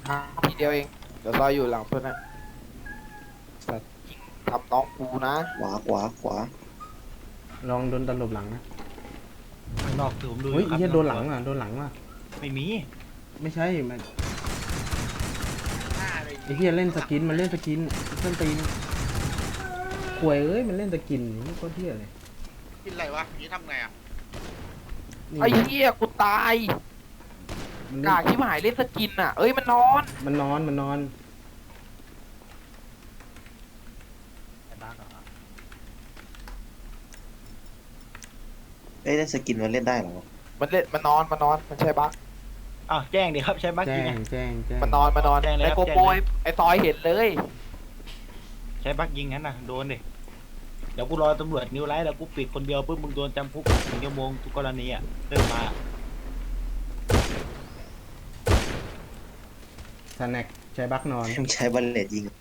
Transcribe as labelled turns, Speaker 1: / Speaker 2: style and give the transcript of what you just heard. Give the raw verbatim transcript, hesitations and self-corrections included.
Speaker 1: อ่ะทีเดียวเองเดี๋ยวซอยอยู่หลังเพื่อนนะสัตว์ยิงทำน้องกูนะ
Speaker 2: ขวาขวาขวา
Speaker 3: ลองโดนตลบหลังนะ
Speaker 4: ข้างนอกคือผมดูอ
Speaker 3: เฮ้ย
Speaker 4: ยู่ครับ
Speaker 3: เฮียโดนหลังอ่ะโดนหลังว่ะ
Speaker 4: ไม่มี
Speaker 3: ไม่ใช่มันไอ้เฮียเล่นสกินมันเล่นสกินเส้นตีนควยเอ้ยมันเล่นสกินนี่โคตรเฮียเลย
Speaker 5: กินอะไรวะนี้ทำไงอ่ะ
Speaker 3: นี่
Speaker 1: ไอ้เหี้ยกูตาย
Speaker 3: มัน
Speaker 1: กา
Speaker 3: เล่น
Speaker 1: กที่หายเล่นสกินอ่ะเอ้ยมันนอน
Speaker 3: มันนอนมันนอน
Speaker 4: ไอ้บ้าเหรอ
Speaker 2: เอ้ยได้สกินมันเล่นได้เหรอ
Speaker 1: มันเล่นมันนอนมันนอนมันใช่บั๊ก
Speaker 4: อ้าวแจ้งดิครับใช้บัค
Speaker 3: แจ้
Speaker 4: ยิง
Speaker 3: ง
Speaker 4: อะ
Speaker 3: แจ้งแจ้ง
Speaker 1: มันนอนมันนอน
Speaker 4: แจ้งเลย
Speaker 1: ไอ้
Speaker 4: ครับ
Speaker 1: โก
Speaker 4: แจ้ง
Speaker 1: โป
Speaker 4: เลย
Speaker 1: ไอ้ซอยเห็นเลย
Speaker 4: ใช้บัคยิงงั้นนะโดนดิเดี๋ยวกูรอตำรวจนิ้วไล่แล้วกูปิดคนเดียวปุ๊บมึงโดนจำคุกหนึ่งชั่วโมงทุกกรณีอ่ะเริ่มมา
Speaker 3: สแน็คใช้บักนอน
Speaker 2: ใช้บัลเลตยิง